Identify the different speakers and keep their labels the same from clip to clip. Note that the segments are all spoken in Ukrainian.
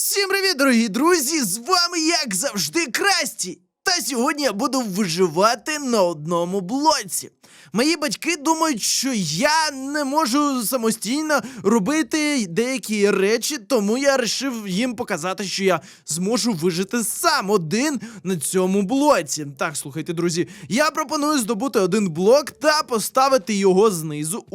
Speaker 1: Всім привіт, дорогі друзі! З вами, як завжди, Красті! Та сьогодні я буду виживати на одному блоці. Мої батьки думають, що я не можу самостійно робити деякі речі, тому я вирішив їм показати, що я зможу вижити сам один на цьому блоці. Так, слухайте, друзі, я пропоную здобути один блок та поставити його знизу.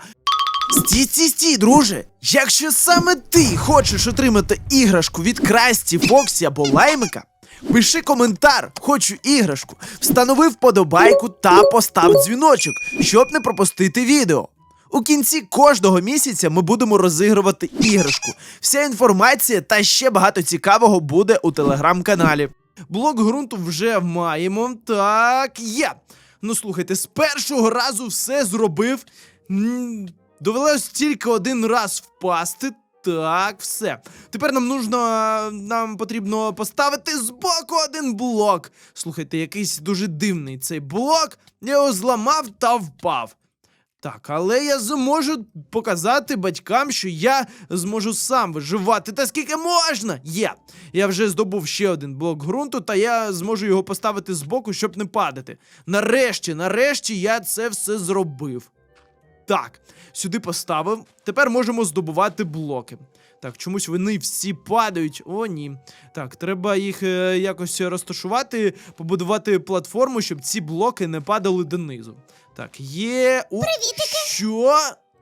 Speaker 1: Стій, друже! Якщо саме ти хочеш отримати іграшку від Красті, Фоксі або Лаймика, пиши коментар «Хочу іграшку», встанови вподобайку та постав дзвіночок, щоб не пропустити відео. У кінці кожного місяця ми будемо розігрувати іграшку. Вся інформація та ще багато цікавого буде у телеграм-каналі. Блок ґрунту вже маємо. Так, є. Ну, слухайте, з першого разу все зробив. Довелось тільки один раз впасти. Так, все. Тепер нам потрібно поставити збоку один блок. Слухайте, якийсь дуже дивний цей блок. Я його зламав та впав. Так, але я зможу показати батькам, що я зможу сам виживати. Та скільки можна? Є. Я вже здобув ще один блок ґрунту, та я зможу його поставити збоку, щоб не падати. Нарешті я це все зробив. Так, сюди поставив. Тепер можемо здобувати блоки. Так, чомусь вони всі падають. О, ні. Так, треба їх якось розташувати, побудувати платформу, щоб ці блоки не падали донизу. Так, є...
Speaker 2: Привітики!
Speaker 1: Що?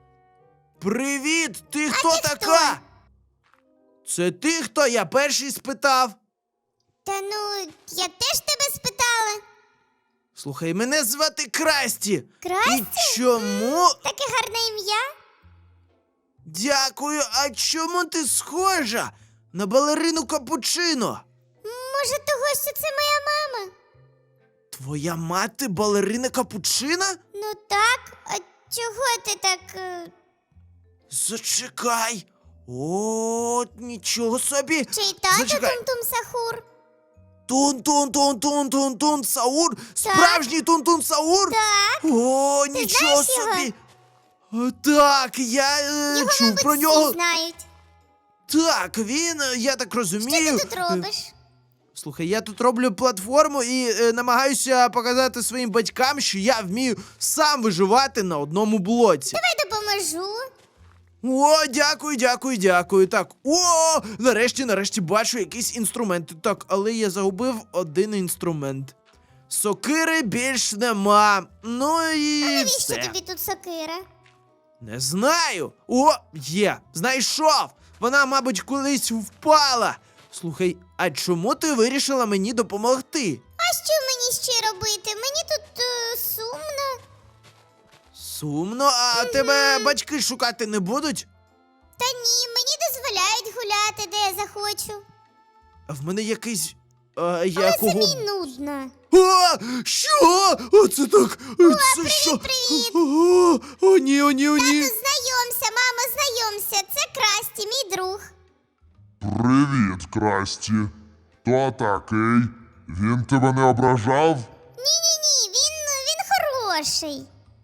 Speaker 1: Привіт! Ти хто така? Це ти хто? Я перший спитав.
Speaker 2: Та ну, я теж тебе спитала.
Speaker 1: Слухай, мене звати Красті.
Speaker 2: Красті?
Speaker 1: І чому?
Speaker 2: Таке гарне ім'я.
Speaker 1: Дякую, а чому ти схожа на балерину Капучино?
Speaker 2: Може, того, що це моя мама?
Speaker 1: Твоя мати балерина Капучино?
Speaker 2: Ну так, а чого ти так...
Speaker 1: Зачекай. О, нічого собі.
Speaker 2: Чий тато
Speaker 1: Зачекай.
Speaker 2: Тум-Тум Сахур?
Speaker 1: Тун-тун-тун-тун-тун-тун Саур? Справжній Тун-тун Саур?
Speaker 2: Так.
Speaker 1: О, нічого
Speaker 2: знаєш його?
Speaker 1: собі. Так, я
Speaker 2: Його,
Speaker 1: чув
Speaker 2: мабуть,
Speaker 1: про
Speaker 2: всі
Speaker 1: нього.
Speaker 2: знають.
Speaker 1: Так, він, я так розумію.
Speaker 2: Що ти тут робиш?
Speaker 1: Слухай, я тут роблю платформу і намагаюся показати своїм батькам, що я вмію сам виживати на одному блоці.
Speaker 2: Давай допоможу.
Speaker 1: О, дякую. Так, нарешті бачу якісь інструменти. Так, але я загубив один інструмент. Сокири більш нема. Ну і
Speaker 2: Навіщо
Speaker 1: все.
Speaker 2: тобі тут сокира?
Speaker 1: Не знаю. О, є, знайшов. Вона, мабуть, колись впала. Слухай, а чому ти вирішила мені допомогти?
Speaker 2: А що мені ще робити? Мені тут сумно.
Speaker 1: Сумно, а тебе батьки шукати не будуть?
Speaker 2: Та ні, мені дозволяють гуляти, де я захочу.
Speaker 1: А в мене якийсь...
Speaker 2: Але
Speaker 1: якого...
Speaker 2: самі нудно.
Speaker 1: Що? Оце так... Це що?
Speaker 2: привіт.
Speaker 1: О, ні.
Speaker 2: Знайомся, мама, знайомся. Це Красті, мій друг.
Speaker 3: Привіт, Красті. Хто такий? Він тебе не ображав?
Speaker 2: Ні, він хороший.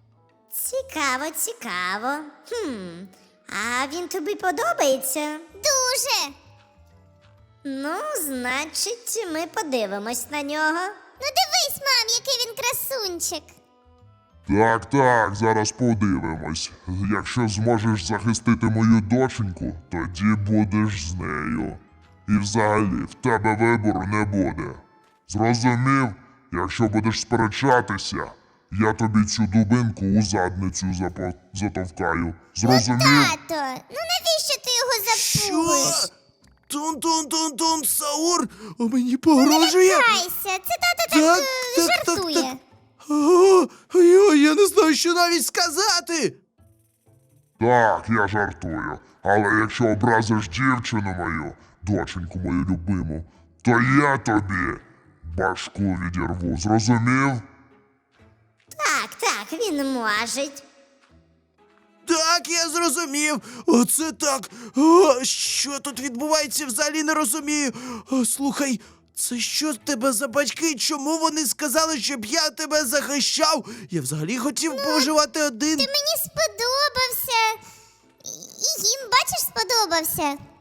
Speaker 4: Цікаво. А він тобі подобається?
Speaker 2: Дуже.
Speaker 4: Ну, значить, ми подивимось на нього.
Speaker 2: Ну дивись, мам, який він красунчик.
Speaker 3: Так, зараз подивимось. Якщо зможеш захистити мою доченьку, тоді будеш з нею. І взагалі, в тебе вибору не буде. Зрозумів? Якщо будеш сперечатися, я тобі цю дубинку у задницю затовкаю. Зрозумів?
Speaker 2: Тато, ну навіщо ти його
Speaker 1: Що?
Speaker 2: запуєш?
Speaker 1: Тун-тун-тун-тун Саур? О, мені погрожує?
Speaker 2: Кайся, це тато так жартує.
Speaker 1: Я не знаю, що навіть сказати.
Speaker 3: Так, я жартую. Але якщо образиш дівчину мою, доченьку мою любиму, то я тобі башку відірву. Зрозумів?
Speaker 4: Так, він може.
Speaker 1: Так, я зрозумів. Оце так. Що тут відбувається, взагалі не розумію. Слухай, це що з тебе за батьки? Чому вони сказали, щоб я тебе захищав? Я взагалі хотів поживати один.
Speaker 2: Ти мені сподобався. І їм, бачиш, сподобався.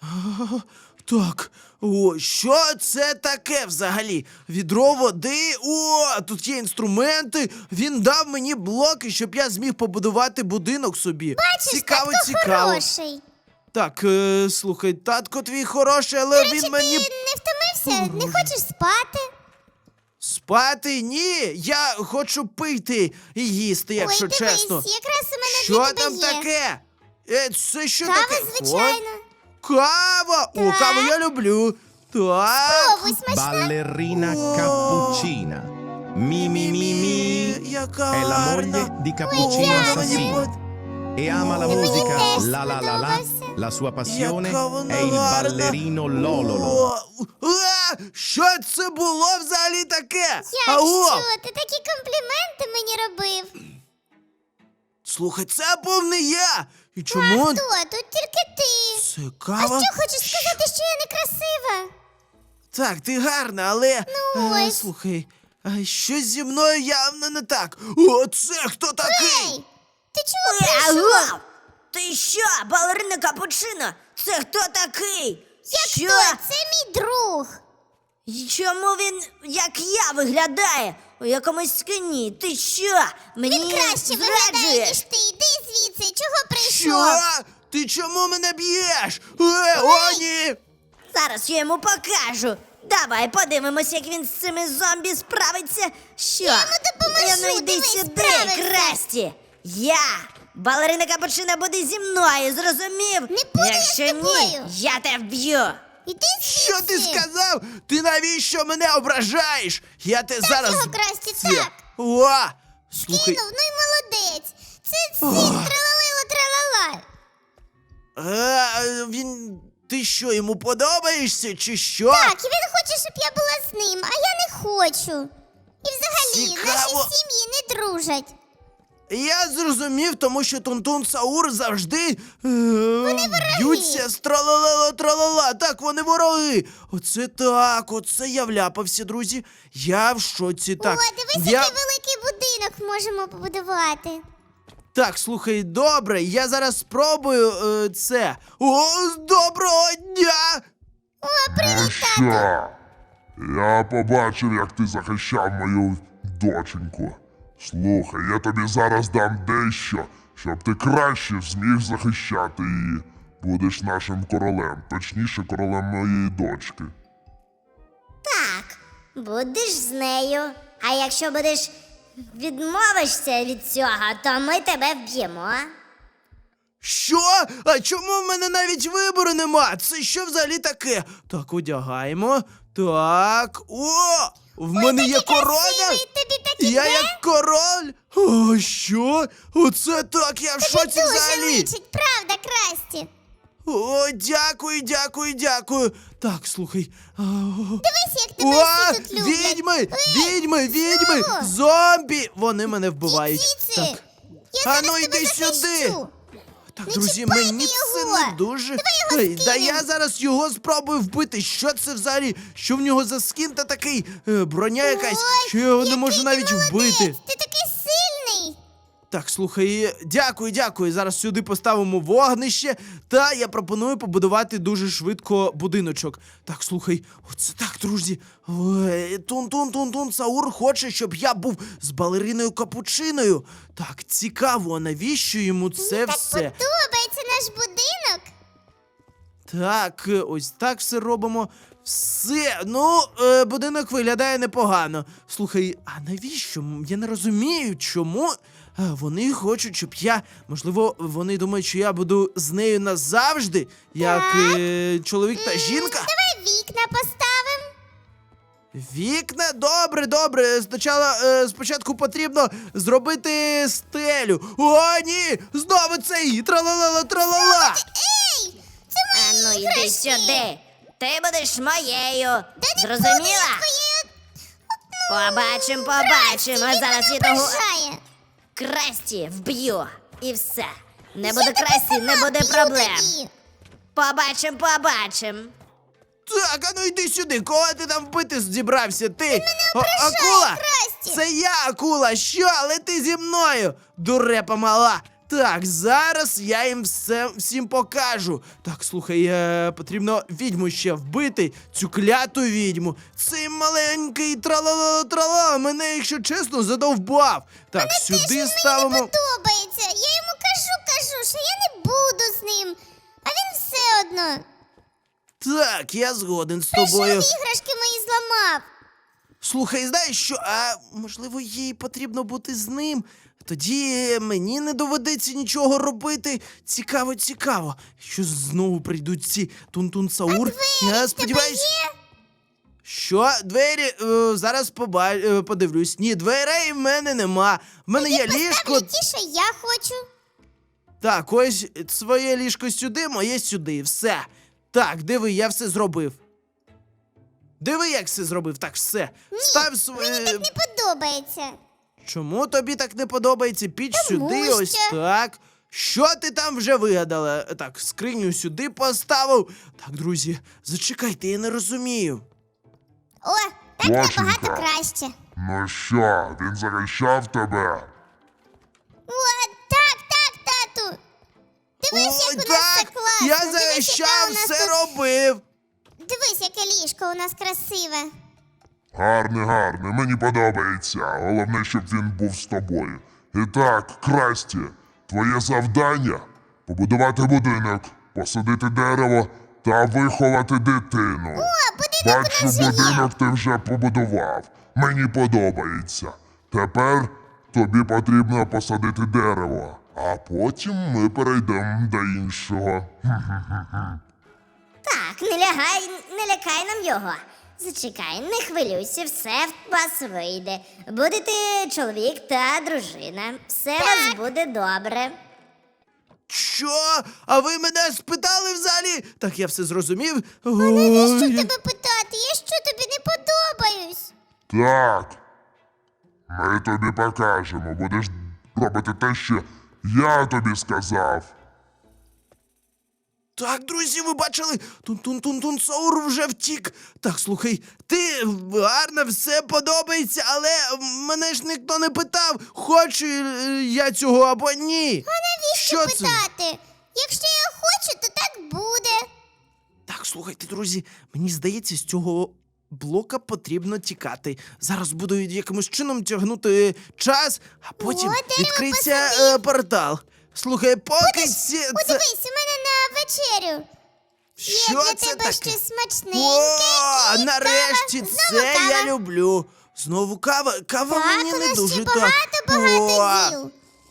Speaker 1: Так, о, що це таке взагалі? Відро води. О, тут є інструменти. Він дав мені блоки, щоб я зміг побудувати будинок собі. Цікаво,
Speaker 2: Татко
Speaker 1: цікаво.
Speaker 2: хороший.
Speaker 1: Так, слухай, татко твій хороший, але
Speaker 2: До речі,
Speaker 1: він мені
Speaker 2: ти не втомився? Не хочеш спати?
Speaker 1: спати? Ні, я хочу пити і їсти, якщо
Speaker 2: Ой, дивись,
Speaker 1: чесно.
Speaker 2: якраз у мене
Speaker 1: Що
Speaker 2: для тебе
Speaker 1: там
Speaker 2: є.
Speaker 1: таке? Це що
Speaker 2: Кава,
Speaker 1: таке?
Speaker 2: звичайно.
Speaker 1: О, кава! О,
Speaker 2: Так.
Speaker 1: каву я люблю. Так.
Speaker 2: Пробуй, смачна.
Speaker 5: Ballerina
Speaker 1: Wow.
Speaker 5: cappuccina. Mi mi mi mi.
Speaker 1: Яка
Speaker 5: È la
Speaker 1: гарна.
Speaker 5: moglie di Cappuccino
Speaker 2: Ой,
Speaker 5: Assassino. E ama la
Speaker 2: Мені
Speaker 5: musica
Speaker 2: теж
Speaker 5: la la la la.
Speaker 2: сподобався.
Speaker 5: La sua passione
Speaker 1: Яка вона
Speaker 5: è il
Speaker 1: гарна.
Speaker 5: ballerino Lololo.
Speaker 1: Що це було взагалі таке?
Speaker 2: Якщо ти такі компліменти мені робив.
Speaker 1: Слухай, це був не я. І чому
Speaker 2: Хто? Тут тільки ти.
Speaker 1: це
Speaker 2: А
Speaker 1: кава?
Speaker 2: що хочеш сказати, що я некрасива?
Speaker 1: Так, ти гарна, але
Speaker 2: Ну, ось.
Speaker 1: слухай, щось зі мною явно не так. О, це хто такий?
Speaker 2: Ей, ти чого прийшов?
Speaker 4: Алло! Ти що, балерина Капучино? Це хто такий?
Speaker 2: Як хто? Це мій друг.
Speaker 4: І чому він, як я, виглядає? У якомусь скині? Ти що? Мені
Speaker 2: Він краще виглядає,
Speaker 4: зраджуєш?
Speaker 2: ніж ти. Іди звідси. Чого прийшов?
Speaker 1: Що? Ти чому мене б'єш? О, ні!
Speaker 4: Зараз я йому покажу. Давай подивимось, як він з цими зомбі справиться. Що?
Speaker 2: Я йому допоможу,
Speaker 4: Ну, йди
Speaker 2: дивись,
Speaker 4: сюди,
Speaker 2: справиться.
Speaker 4: Красті. Я, балерина Капучино, буде зі мною, зрозумів?
Speaker 2: Не буду я
Speaker 4: Якщо
Speaker 2: з тобою.
Speaker 4: ні, я тебе вб'ю.
Speaker 2: Іди звідси.
Speaker 1: Що ти сказав? Ти навіщо мене ображаєш? Я те зараз.
Speaker 2: його, Красті,
Speaker 1: Це-
Speaker 2: так.
Speaker 1: О! Слухай,
Speaker 2: Кинув, ну й молодець. Це тралалило тралала.
Speaker 1: він. Ти що, йому подобаєшся, чи що?
Speaker 2: Так, і він хоче, щоб я була з ним, а я не хочу. І взагалі,
Speaker 1: Цікаво.
Speaker 2: наші сім'ї не дружать.
Speaker 1: Я зрозумів, тому що Тунтун Саур завжди б'ються з тралала. Так, вони вороги. Оце так, оце я вляпався, друзі. Я в шоці. Так,
Speaker 2: О, дивись, який великий будинок можемо побудувати.
Speaker 1: Так, слухай, добре, я зараз спробую це. О, доброго дня!
Speaker 3: Ну що? Я побачив, як ти захищав мою доченьку. Слухай, я тобі зараз дам дещо, щоб ти краще зміг захищати її. Будеш нашим королем, точніше, королем моєї дочки.
Speaker 4: Так, будеш з нею. А якщо будеш відмовишся від цього, то ми тебе вб'ємо.
Speaker 1: Що? А чому в мене навіть вибору нема? Це що взагалі таке? Так, одягаємо. Так. О! В мене є корона!
Speaker 2: Красивий, тобі так
Speaker 1: Я
Speaker 2: іде?
Speaker 1: як король? О, що? Оце так, я в шоці
Speaker 2: Дуже
Speaker 1: взагалі.
Speaker 2: личить, правда, Красті?
Speaker 1: О, дякую. Так, слухай.
Speaker 2: Дивись, як тебе
Speaker 1: О,
Speaker 2: всі тут люблять.
Speaker 1: відьми,
Speaker 2: знову?
Speaker 1: зомбі! Вони мене вбивають.
Speaker 2: Звідси.
Speaker 1: Так,
Speaker 2: Я
Speaker 1: А
Speaker 2: зараз
Speaker 1: ну,
Speaker 2: тебе
Speaker 1: йди
Speaker 2: захищу.
Speaker 1: сюди. так,
Speaker 2: Не
Speaker 1: друзі,
Speaker 2: чіпайте
Speaker 1: мені це
Speaker 2: його.
Speaker 1: не дуже.
Speaker 2: Давай його
Speaker 1: Да
Speaker 2: скинем.
Speaker 1: я зараз його спробую вбити. Що це взагалі? Що в нього за скін та такий? Броня якась,
Speaker 2: Ой,
Speaker 1: що я його не
Speaker 2: який
Speaker 1: можу
Speaker 2: ти
Speaker 1: навіть
Speaker 2: молодець,
Speaker 1: вбити.
Speaker 2: Ти такий сильний.
Speaker 1: Так, слухай, дякую. Зараз сюди поставимо вогнище, та я пропоную побудувати дуже швидко будиночок. Так, слухай, оце так, друзі. Тун Саур хоче, щоб я був з балериною Капучиною. Так, цікаво, навіщо йому це
Speaker 2: Мені так
Speaker 1: все?
Speaker 2: подобається наш будинок.
Speaker 1: Так, ось так все робимо. Все, будинок виглядає непогано. Слухай, а навіщо? Я не розумію, чому вони хочуть, щоб я. Можливо, вони думають, що я буду з нею назавжди, як чоловік та жінка.
Speaker 2: Давай вікна поставимо.
Speaker 1: Вікна? Добре. Спочатку потрібно зробити стелю. О, ні! Знову цей тралала.
Speaker 2: Ей, це
Speaker 4: А
Speaker 2: мої
Speaker 4: ну йди
Speaker 2: іграшки.
Speaker 4: сюди. Ти будеш моєю.
Speaker 2: Та не
Speaker 4: Зрозуміла?
Speaker 2: буду я твоєю.
Speaker 4: Побачимо.
Speaker 2: Красті,
Speaker 4: А
Speaker 2: він
Speaker 4: зараз
Speaker 2: мене
Speaker 4: я того
Speaker 2: ображає.
Speaker 4: Красті вб'ю. І все. Не
Speaker 2: Я
Speaker 4: буде
Speaker 2: тебе
Speaker 4: Красті,
Speaker 2: сама
Speaker 4: не буде
Speaker 2: вб'ю
Speaker 4: проблем.
Speaker 2: тоді.
Speaker 4: Побачимо.
Speaker 1: Так, а ну йди сюди, кого ти там вбити зібрався? Ти акула?
Speaker 2: Красті.
Speaker 1: Це я, акула, що? Але ти зі мною, дурепа мала. Так, зараз я їм всім покажу. Так, слухай, потрібно відьму ще вбити, цю кляту відьму. Цей маленький тралала мене, якщо чесно, задовбав. Так, сюди ставимо.
Speaker 2: Подобається. Я йому кажу, що я не буду з ним. А він все одно.
Speaker 1: Так, я згоден з
Speaker 2: Прийшов
Speaker 1: тобою.
Speaker 2: іграшки мої зламав.
Speaker 1: Слухай, знаєш що? А можливо, їй потрібно бути з ним? Тоді мені не доведеться нічого робити. Цікаво, цікаво. Що знову прийдуть ці Тун-Тун-Саур? Я сподіваюся. Що? Двері? Зараз подивлюсь. Ні, дверей в мене нема. В мене є ліжко.
Speaker 2: Ставлю ті, що я хочу.
Speaker 1: Так, ось своє ліжко сюди, моє сюди. Все. Так, диви, я все зробив. Диви, як все зробив. Так, все. Став своє.
Speaker 2: Мені так не подобається.
Speaker 1: Чому тобі так не подобається? Піч
Speaker 2: Тому
Speaker 1: сюди,
Speaker 2: що-
Speaker 1: ось так. Що ти там вже вигадала? Так, скриню сюди поставив. Так, друзі, зачекайте, я не розумію.
Speaker 2: О, так
Speaker 3: Доченька.
Speaker 2: набагато краще.
Speaker 3: Ну що, він захищав тебе?
Speaker 2: О, так, тату. Дивись,
Speaker 1: Ой,
Speaker 2: як у нас все
Speaker 1: так,
Speaker 2: класно.
Speaker 1: я
Speaker 2: Дивись, яке
Speaker 1: захищав,
Speaker 2: у нас
Speaker 1: все
Speaker 2: тут-
Speaker 1: робив.
Speaker 2: Дивись, яке ліжко у нас красиве.
Speaker 3: Гарний, гарний, мені подобається. Головне, щоб він був з тобою. І так, Красті, твоє завдання – побудувати будинок, посадити дерево та виховати дитину. Бачу, будинок ти вже побудував. Мені подобається. Тепер тобі потрібно посадити дерево, а потім ми перейдемо до іншого.
Speaker 4: Так, не лякай нам його. Зачекай, не хвилюйся, все в вас вийде. Будете чоловік та дружина. Все у вас буде добре.
Speaker 1: Що? А ви мене спитали взагалі? Так, я все зрозумів.
Speaker 2: Навіщо
Speaker 1: Ой,
Speaker 2: тебе питати? Я що тобі не подобаюсь?
Speaker 3: Так. Ми тобі покажемо. Будеш робити те, що я тобі сказав.
Speaker 1: Так, друзі, ви бачили? Тун-тун-тун-тун-саур вже втік. Так, слухай, ти гарно, все подобається, але мене ж ніхто не питав, хочу я цього або ні.
Speaker 2: Навіщо
Speaker 1: Що це?
Speaker 2: питати? Якщо я хочу, то так буде.
Speaker 1: Так, слухайте, друзі, мені здається, з цього блока потрібно тікати. Зараз буду якимось чином тягнути час, а потім
Speaker 2: дерево
Speaker 1: відкриється
Speaker 2: посадив.
Speaker 1: портал. Слухай, поки ці... це...
Speaker 2: Подивись, у мене на вечерю.
Speaker 1: Що
Speaker 2: Є для
Speaker 1: це
Speaker 2: тебе
Speaker 1: таке?
Speaker 2: щось смачненьке.
Speaker 1: О,
Speaker 2: і
Speaker 1: нарешті,
Speaker 2: кава.
Speaker 1: це
Speaker 2: Знову кава.
Speaker 1: я люблю. Знову кава. Кава
Speaker 2: Так,
Speaker 1: мені
Speaker 2: у
Speaker 1: не
Speaker 2: нас
Speaker 1: дуже
Speaker 2: ще
Speaker 1: так.
Speaker 2: багато діл.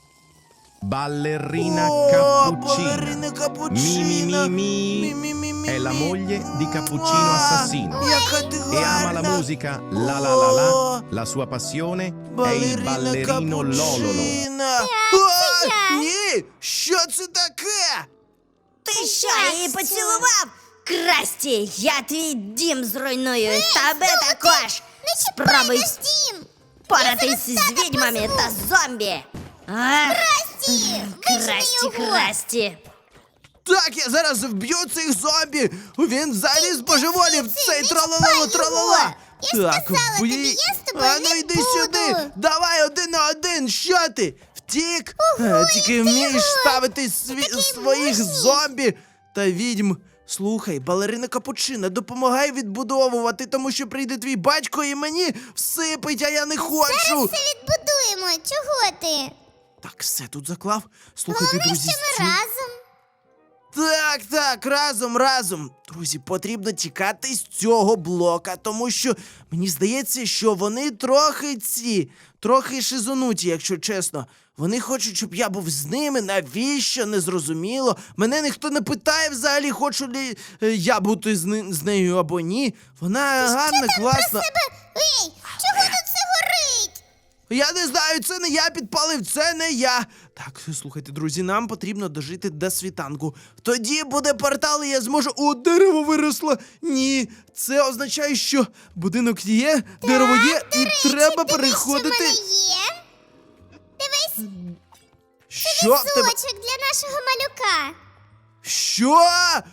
Speaker 5: Ballerina
Speaker 1: О,
Speaker 5: Cappuccina.
Speaker 1: балерина Капучино.
Speaker 5: Mimi è la moglie di Cappuccino Assassino
Speaker 1: Яка ти
Speaker 5: e ama la
Speaker 1: гарна.
Speaker 5: musica la la la la. La sua passione è il
Speaker 1: Балерина
Speaker 5: ballerino Lololo.
Speaker 1: Капучино.
Speaker 2: це я.
Speaker 1: Ні, що це таке?
Speaker 4: Ти що, її поцілував? Красті, я твій дім зруйную, і тебе також.
Speaker 2: Не чіпай
Speaker 4: Спробуй
Speaker 2: наш дім.
Speaker 4: поратись
Speaker 2: Я зараз
Speaker 4: з
Speaker 2: тата
Speaker 4: відьмами
Speaker 2: позву.
Speaker 4: та зомбі. А?
Speaker 2: Красті, вижени
Speaker 4: Красті,
Speaker 2: його.
Speaker 4: красті.
Speaker 1: Так, я зараз вб'ю цих зомбі. Він взагалі збожеволів,
Speaker 2: звідси,
Speaker 1: цей
Speaker 2: не
Speaker 1: тралала
Speaker 2: чіпай
Speaker 1: тралала.
Speaker 2: його. Я ж
Speaker 1: Так,
Speaker 2: сказала тобі,
Speaker 1: вбий.
Speaker 2: я з тобою
Speaker 1: А ну
Speaker 2: не
Speaker 1: йди
Speaker 2: буду.
Speaker 1: сюди. Давай 1 на 1. Що ти? Втік? Тільки
Speaker 2: ти
Speaker 1: вмієш
Speaker 2: його.
Speaker 1: ставити
Speaker 2: такий
Speaker 1: своїх
Speaker 2: мужній.
Speaker 1: зомбі та відьм. Слухай, балерина Капучино, допомагай відбудовувати, тому що прийде твій батько і мені всипить, а я не хочу.
Speaker 2: Зараз все відбудуємо. Чого ти?
Speaker 1: Так, все тут заклав. Слухайте,
Speaker 2: Головне,
Speaker 1: друзі,
Speaker 2: що ми
Speaker 1: цю-
Speaker 2: разом.
Speaker 1: Так, разом. Друзі, потрібно тікати з цього блока, тому що мені здається, що вони трохи шизонуті, якщо чесно. Вони хочуть, щоб я був з ними, навіщо, незрозуміло. Мене ніхто не питає взагалі, хочу ли я бути з нею або ні. Вона гарна, класна.
Speaker 2: Ей, чого тут все горить?
Speaker 1: Я не знаю, це не я підпалив, це не я. Так, слухайте, друзі, нам потрібно дожити до світанку. Тоді буде портал, і я зможу. О, дерево виросло! Ні, це означає, що будинок є, дерево є, і треба переходити.
Speaker 2: Дивись, що в мене є. Дивись,
Speaker 1: Що в тебе?
Speaker 2: сочок для нашого малюка.
Speaker 1: Що?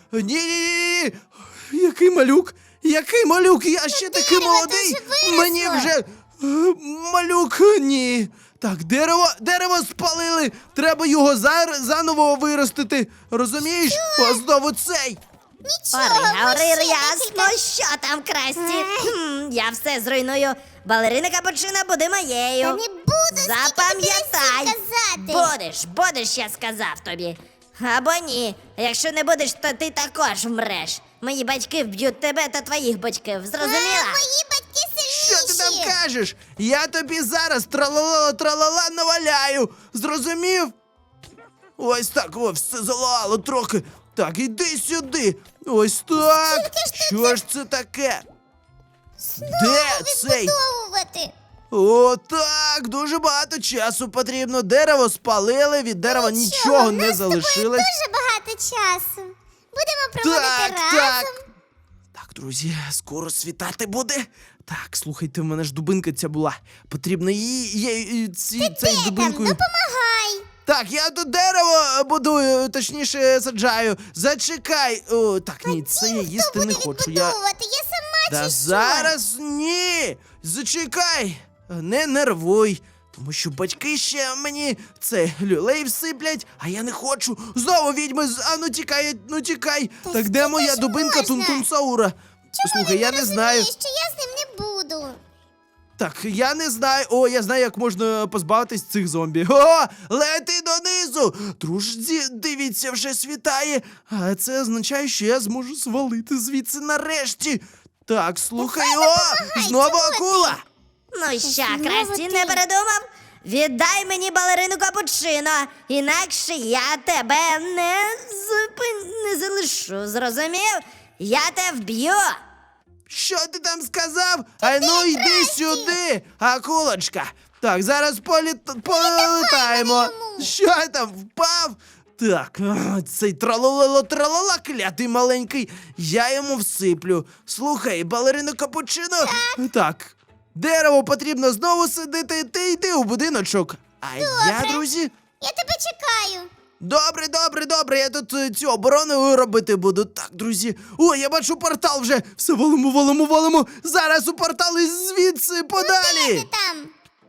Speaker 1: Ні. Який малюк? Який малюк? Я ще такий
Speaker 2: дерево
Speaker 1: молодий.
Speaker 2: дуже виросло.
Speaker 1: Мені вже малюк, ні. Так, дерево спалили. Треба його заново виростити. Розумієш? О, знову цей.
Speaker 2: Нічого, ми ще
Speaker 4: Ясно, що там, Красті? Я все зруйную. Балерина Капучино буде моєю.
Speaker 2: Та не буду, скільки тобі
Speaker 4: Запам'ятай.
Speaker 2: разів казати.
Speaker 4: Будеш, я сказав тобі. Або ні. Якщо не будеш, то ти також вмреш. Мої батьки вб'ють тебе та твоїх батьків. Зрозуміла?
Speaker 2: Мої батьки
Speaker 1: Що
Speaker 2: сильніші.
Speaker 1: ти там кажеш? Я тобі зараз тралала наваляю. Зрозумів? Ось так, о, все залало трохи. Так, іди сюди. Ось так. Що ж це таке? Де цей?
Speaker 2: Відбудовувати.
Speaker 1: О, так, дуже багато часу потрібно. Дерево спалили, від дерева нічого не залишилось.
Speaker 2: Дуже багато часу. Будемо проводити
Speaker 1: Так,
Speaker 2: разом.
Speaker 1: так. Так, друзі, скоро світати буде. Так, слухайте, в мене ж дубинка ця була. Потрібно цей
Speaker 2: Там,
Speaker 1: дубинкою.
Speaker 2: допомагай.
Speaker 1: Так, я тут дерево будую, точніше саджаю. Зачекай. О, так, ні, це я їсти
Speaker 2: Хто
Speaker 1: не
Speaker 2: буде
Speaker 1: хочу.
Speaker 2: відбудовувати? Я сама
Speaker 1: Та
Speaker 2: чи що?
Speaker 1: зараз ні. Зачекай. Не нервуй. Тому що батьки ще мені це люлей всиплять, а я не хочу. Знову відьми, а ну тікай, ну тікай.
Speaker 2: Та
Speaker 1: Так де
Speaker 2: скільки
Speaker 1: моя
Speaker 2: ж
Speaker 1: дубинка
Speaker 2: можна?
Speaker 1: Тунтун-Саура? Слухай, я не знаю.
Speaker 2: Розумієш, що я з ним не буду.
Speaker 1: Так, я не знаю. О, я знаю, як можна позбавитись цих зомбі. О, лети донизу! Друзі, дивіться, вже світає. А це означає, що я зможу свалити звідси нарешті. Так, слухай, знову акула!
Speaker 4: Ну що,
Speaker 2: знову
Speaker 4: Красті,
Speaker 2: ти.
Speaker 4: не передумав? Віддай мені балерину Капучино, інакше я тебе не залишу, зрозумів? Я тебе вб'ю.
Speaker 1: Що ти там сказав? А ну йди сюди, акулочка. Так, зараз полетаємо.
Speaker 2: йому.
Speaker 1: Що там, впав? Так, цей тралала, клятий маленький, я йому всиплю. Слухай, балерину Капучино. Так, дерево потрібно знову сидити, ти йди у будиночок. А я, друзі,
Speaker 2: Я тебе чекаю.
Speaker 1: Добре, я тут цю оборону робити буду. Так, друзі. О, я бачу портал вже. Все, валимо. Зараз у портал і звідси подалі.
Speaker 2: Ти там.